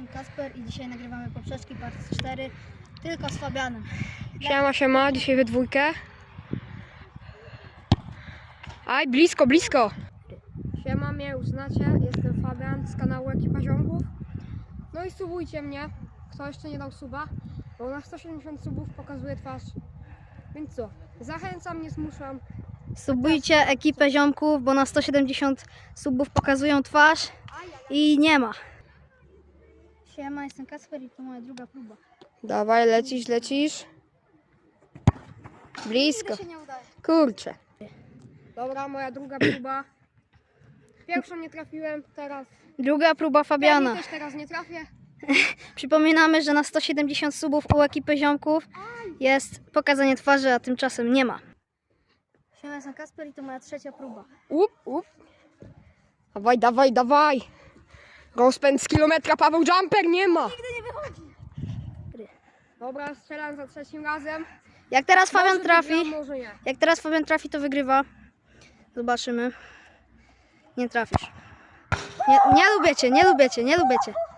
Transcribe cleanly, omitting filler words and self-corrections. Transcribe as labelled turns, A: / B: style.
A: jestem Kasper i dzisiaj nagrywamy poprzeczki part 4, tylko z Fabianem.
B: Siema, dzisiaj we dwójkę. Aj, blisko. Siema, mnie już znacie, jestem Fabian z kanału Ekipa Ziomków. No i subujcie mnie, kto jeszcze nie dał suba, bo na 170 subów pokazuje twarz. Więc co, zachęcam, nie zmuszam.
A: Subujcie ekipę ziomków, bo na 170 subów pokazują twarz i nie ma. Siema, jestem Kasper i to moja druga próba.
B: Dawaj, lecisz. Blisko.
A: Nigdy się nie udaje.
B: Kurczę. Dobra, moja druga próba. Pierwszą nie trafiłem, teraz.
A: Druga próba Fabiana.
B: Pewnie też teraz nie trafię.
A: Przypominamy, że na 170 subów u ekipy ziomków jest pokazanie twarzy, a tymczasem nie ma. Siema, jestem Kasper i to moja trzecia próba.
B: Up. Dawaj. Rozpęd z kilometra, Paweł Jumper nie ma.
A: Nigdy nie wychodzi.
B: Dobra, strzelam za trzecim razem.
A: Jak teraz Fabian
B: Może
A: trafi,
B: wygram, może nie.
A: jak teraz Fabian trafi, to wygrywa. Zobaczymy. Nie trafisz. Nie lubię cię.